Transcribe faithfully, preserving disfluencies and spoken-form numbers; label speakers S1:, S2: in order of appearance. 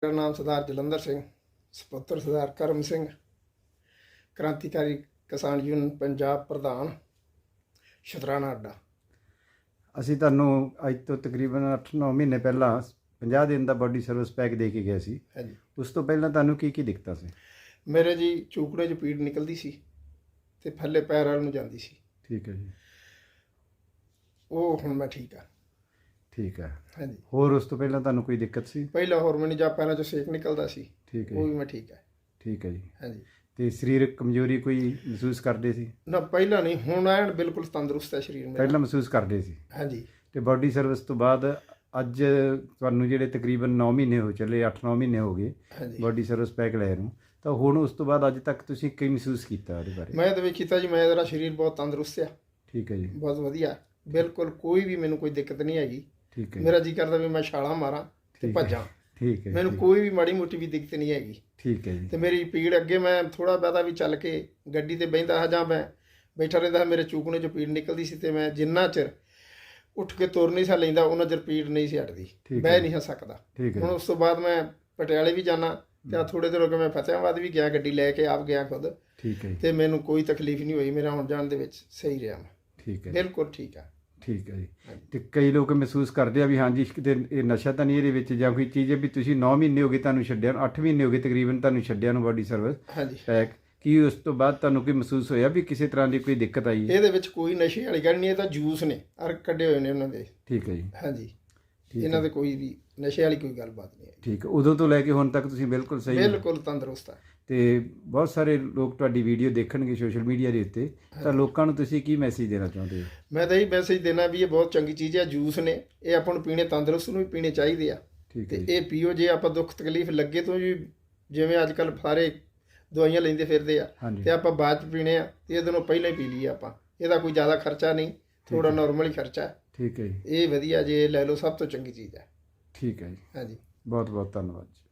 S1: ਮੇਰਾ ਨਾਮ ਸਰਦਾਰ ਜਲੰਧਰ ਸਿੰਘ, ਸਪੁੱਤਰ ਸਰਦਾਰ ਕਰਮ ਸਿੰਘ, ਕ੍ਰਾਂਤੀਕਾਰੀ ਕਿਸਾਨ ਯੂਨੀਅਨ ਪੰਜਾਬ ਪ੍ਰਧਾਨ, ਸ਼ੁਤਰਾਣਾ ਅੱਡਾ।
S2: ਅਸੀਂ ਤੁਹਾਨੂੰ ਅੱਜ ਤੋਂ ਤਕਰੀਬਨ ਅੱਠ ਨੌ ਮਹੀਨੇ ਪਹਿਲਾਂ ਪੰਜਾਹ ਦਿਨ ਦਾ ਬਾਡੀ ਸਰਵਿਸ ਪੈਕ ਦੇ ਕੇ ਗਏ ਸੀ।
S1: ਹਾਂਜੀ,
S2: ਉਸ ਤੋਂ ਪਹਿਲਾਂ ਤੁਹਾਨੂੰ ਕੀ ਕੀ ਦਿੱਕਤਾਂ ਸੀ?
S1: ਮੇਰੇ ਜੀ ਚੂਕੜੇ 'ਚ ਪੀੜ ਨਿਕਲਦੀ ਸੀ ਤੇ ਥੱਲੇ ਪੈਰ ਵੱਲ ਨੂੰ ਜਾਂਦੀ ਸੀ।
S2: ਠੀਕ ਹੈ ਜੀ,
S1: ਉਹ ਹੁਣ ਮੈਂ ਠੀਕ ਆ।
S2: ਠੀਕ ਹੈ।
S1: ਹਾਂਜੀ,
S2: ਹੋਰ ਉਸ ਤੋਂ ਪਹਿਲਾਂ ਤੁਹਾਨੂੰ ਕੋਈ ਦਿੱਕਤ ਸੀ?
S1: ਪਹਿਲਾਂ ਹੋਰ ਮੈਨੂੰ ਜਾਂ ਪੈਰਾਂ 'ਚੋਂ ਸੇਕ ਨਿਕਲਦਾ ਸੀ,
S2: ਠੀਕ ਹੈ
S1: ਉਹ ਵੀ
S2: ਜੀ,
S1: ਮੈਂ ਠੀਕ ਆ।
S2: ਠੀਕ ਹੈ ਜੀ।
S1: ਹਾਂਜੀ,
S2: ਤੇ ਸਰੀਰਕ ਕਮਜ਼ੋਰੀ ਕੋਈ ਮਹਿਸੂਸ ਕਰਦੇ ਸੀ?
S1: ਨਾ ਪਹਿਲਾਂ ਨਹੀਂ, ਹੁਣ ਐਨ ਬਿਲਕੁਲ ਤੰਦਰੁਸਤ ਹੈ ਸਰੀਰ ਮੇਰਾ।
S2: ਪਹਿਲਾਂ ਮਹਿਸੂਸ ਕਰਦੇ ਸੀ।
S1: ਹਾਂਜੀ,
S2: ਤੇ ਬਾਡੀ ਸਰਵਿਸ ਤੋਂ ਬਾਅਦ ਅੱਜ ਤੁਹਾਨੂੰ ਜਿਹੜੇ ਤਕਰੀਬਨ ਨੌ ਮਹੀਨੇ ਹੋ ਚੱਲੇ, ਅੱਠ ਨੌ ਮਹੀਨੇ ਹੋ ਗਏ
S1: ਹਾਂਜੀ।
S2: ਬਾਡੀ ਸਰਵਿਸ ਪੈਕ ਲੈ ਨੂੰ, ਤਾਂ ਹੁਣ ਉਸ ਤੋਂ ਬਾਅਦ ਅੱਜ ਤੱਕ ਤੁਸੀਂ ਕੀ ਮਹਿਸੂਸ ਕੀਤਾ ਉਹਦੇ ਬਾਰੇ?
S1: ਮੈਂ ਤਾਂ ਵੀ ਕੀਤਾ ਜੀ, ਮੈਂ ਮੇਰਾ ਸਰੀਰ ਬਹੁਤ ਤੰਦਰੁਸਤ ਆ,
S2: ਠੀਕ ਹੈ ਜੀ,
S1: ਬਹੁਤ ਵਧੀਆ, ਬਿਲਕੁਲ ਕੋਈ ਵੀ ਮੈਨੂੰ ਕੋਈ ਦਿੱਕਤ ਨਹੀਂ ਹੈਗੀ।
S2: ਠੀਕ ਹੈ
S1: ਮੇਰਾ ਜੀ ਕਰਦਾ ਵੀ ਮੈਂ ਛਾਲਾਂ ਮਾਰਾਂ ਤੇ
S2: ਠੀਕ ਹੈ।
S1: ਭੱਜਾਂ,
S2: ਠੀਕ ਹੈ,
S1: ਮੈਨੂੰ
S2: ਠੀਕ-
S1: ਕੋਈ ਵੀ ਮਾੜੀ ਮੋਟੀ ਵੀ ਦਿੱਕਤ ਨਹੀਂ ਹੈਗੀ।
S2: ਠੀਕ ਹੈ ਜੀ,
S1: ਤੇ ਮੇਰੀ ਪੀੜ ਅੱਗੇ ਮੈਂ ਥੋੜਾ ਬਹੁਤਾ ਵੀ ਚੱਲ ਕੇ ਗੱਡੀ ਤੇ ਬਹਿੰਦਾ ਹਾਂ ਜਾਂ ਮੈਂ ਬੈਠਾ ਰਹਿੰਦਾ ਹਾਂ, ਮੇਰੇ ਚੂਕਣੇ 'ਚੋਂ ਪੀੜ ਨਿਕਲਦੀ ਸੀ ਤੇ ਮੈਂ ਜਿੰਨਾ ਚਿਰ ਉੱਠ ਕੇ ਤੁਰ ਨਹੀਂ ਸਾ ਲੈਂਦਾ ਉਹਨਾਂ ਚਿਰ ਪੀੜ ਨਹੀਂ ਸੀ ਹਟਦੀ,
S2: ਠੀਕ
S1: ਬਹਿ
S2: ਹੈ।
S1: ਨਹੀਂ ਸੀ ਸਕਦਾ।
S2: ਠੀਕ ਹੈ
S1: ਹੁਣ
S2: ਜੀ,
S1: ਉਸ ਤੋਂ ਬਾਅਦ ਮੈਂ ਪਟਿਆਲੇ ਵੀ ਜਾਣਾ ਤੇ ਆ ਥੋੜੇ ਦਿਨ ਹੋ ਗਏ ਮੈਂ ਫਤਿਆਬਾਦ ਵੀ ਗਿਆ, ਗੱਡੀ ਲੈ ਕੇ ਆਪ ਗਿਆ ਖੁਦ,
S2: ਠੀਕ ਹੈ ਜੀ,
S1: ਤੇ ਮੈਨੂੰ ਕੋਈ ਤਕਲੀਫ ਨਹੀਂ ਹੋਈ। ਮੇਰਾ ਹੁਣ ਜਾਣ ਦੇ ਵਿੱਚ ਸਹੀ ਰਿਹਾ, ਮੈਂ
S2: ਠੀਕ ਹੈ,
S1: ਬਿਲਕੁਲ ਠੀਕ ਆ।
S2: ਠੀਕ ਹੈ ਜੀ।
S1: ਹਾਂਜੀ।
S2: ਤੇ ਕਈ ਲੋਕ ਮਹਿਸੂਸ ਕਰਦੇ ਆ ਵੀ ਹਾਂਜੀ ਕਿਤੇ ਇਹ ਨਸ਼ਾ ਤਾਂ ਨਹੀਂ ਇਹਦੇ ਵਿੱਚ ਜਾਂ ਕੋਈ ਚੀਜ਼ ਹੈ, ਵੀ ਤੁਸੀਂ ਨੌ ਮਹੀਨੇ ਹੋ ਗਏ ਤੁਹਾਨੂੰ ਛੱਡਿਆ ਨੂੰ, ਅੱਠ ਮਹੀਨੇ ਹੋ ਗਏ ਤਕਰੀਬਨ ਤੁਹਾਨੂੰ ਛੱਡਿਆ ਨੂੰ ਬਾਡੀ ਸਰਵਿਸ
S1: ਹਾਂਜੀ,
S2: ਪੈਕ, ਕੀ ਉਸ ਤੋਂ ਬਾਅਦ ਤੁਹਾਨੂੰ ਕੋਈ ਮਹਿਸੂਸ ਹੋਇਆ ਵੀ ਕਿਸੇ ਤਰ੍ਹਾਂ ਦੀ ਕੋਈ ਦਿੱਕਤ ਆਈ ਹੈ?
S1: ਇਹਦੇ ਵਿੱਚ ਕੋਈ ਨਸ਼ੇ ਵਾਲੀ ਗੱਲ ਨਹੀਂ, ਇਹ ਤਾਂ ਜੂਸ ਨੇ ਅਰ ਕੱਢੇ ਹੋਏ ਨੇ ਉਹਨਾਂ ਦੇ।
S2: ਠੀਕ ਹੈ ਜੀ,
S1: ਹਾਂਜੀ,
S2: ਠੀਕ
S1: ਇਹਨਾਂ
S2: ਹੈ,
S1: ਦੇ ਕੋਈ ਵੀ ਨਸ਼ੇ ਵਾਲੀ ਕੋਈ ਗੱਲਬਾਤ ਨਹੀਂ ਹੈ,
S2: ਠੀਕ ਹੈ। ਉਦੋਂ ਤੋਂ ਲੈ ਕੇ ਹੁਣ ਤੱਕ ਤੁਸੀਂ ਬਿਲਕੁਲ ਸਹੀ ਹੋ?
S1: ਬਿਲਕੁਲ ਤੰਦਰੁਸਤ ਆ।
S2: ਤੇ ਬਹੁਤ ਸਾਰੇ ਲੋਕ ਤੁਹਾਡੀ ਵੀਡੀਓ ਦੇਖਣਗੇ ਸੋਸ਼ਲ ਮੀਡੀਆ ਦੇ ਉੱਤੇ, ਤਾਂ ਲੋਕਾਂ ਨੂੰ ਤੁਸੀਂ ਕੀ ਮੈਸੇਜ ਦੇਣਾ ਚਾਹੁੰਦੇ ਹੋ?
S1: ਮੈਂ ਤਾਂ ਇਹ ਮੈਸੇਜ ਦੇਣਾ ਵੀ ਇਹ ਬਹੁਤ ਚੰਗੀ ਚੀਜ਼ ਹੈ, ਜੂਸ ਨੇ, ਇਹ ਆਪਾਂ ਨੂੰ ਪੀਣੇ, ਤੰਦਰੁਸਤ ਨੂੰ ਵੀ ਪੀਣੇ ਚਾਹੀਦੇ ਆ।
S2: ਠੀਕ
S1: ਤੇ
S2: ਹੈ ਜੀ,
S1: ਇਹ ਪੀਓ ਜੇ ਆਪਾਂ ਦੁੱਖ ਤਕਲੀਫ ਲੱਗੇ ਤੋਂ ਜੀ, ਜਿਵੇਂ ਅੱਜ ਕੱਲ ਸਾਰੇ ਦਵਾਈਆਂ ਲੈਂਦੇ ਫਿਰਦੇ ਆ,
S2: ਹਾਂਜੀ,
S1: ਤੇ ਆਪਾਂ ਬਾਅਦ ਚ ਪੀਣੇ ਆ ਤੇ ਇਹਦੇ ਨਾਲੋਂ ਪਹਿਲਾਂ ਹੀ ਪੀ ਲਈਏ ਆਪਾਂ। ਇਹਦਾ ਕੋਈ ਜ਼ਿਆਦਾ ਖਰਚਾ ਨਹੀਂ, ਥੋੜਾ
S2: ਹੈ।
S1: ਨਾਰਮਲ ਹੀ ਖਰਚਾ ਹੈ।
S2: ਠੀਕ ਹੈ ਜੀ,
S1: ਇਹ ਵਧੀਆ ਜੇ ਲੈ ਲਓ, ਸਭ ਤੋਂ ਚੰਗੀ ਚੀਜ਼ ਹੈ।
S2: ਠੀਕ ਹੈ ਜੀ।
S1: ਹਾਂਜੀ।
S2: ਬਹੁਤ ਬਹੁਤ ਧੰਨਵਾਦ ਜੀ।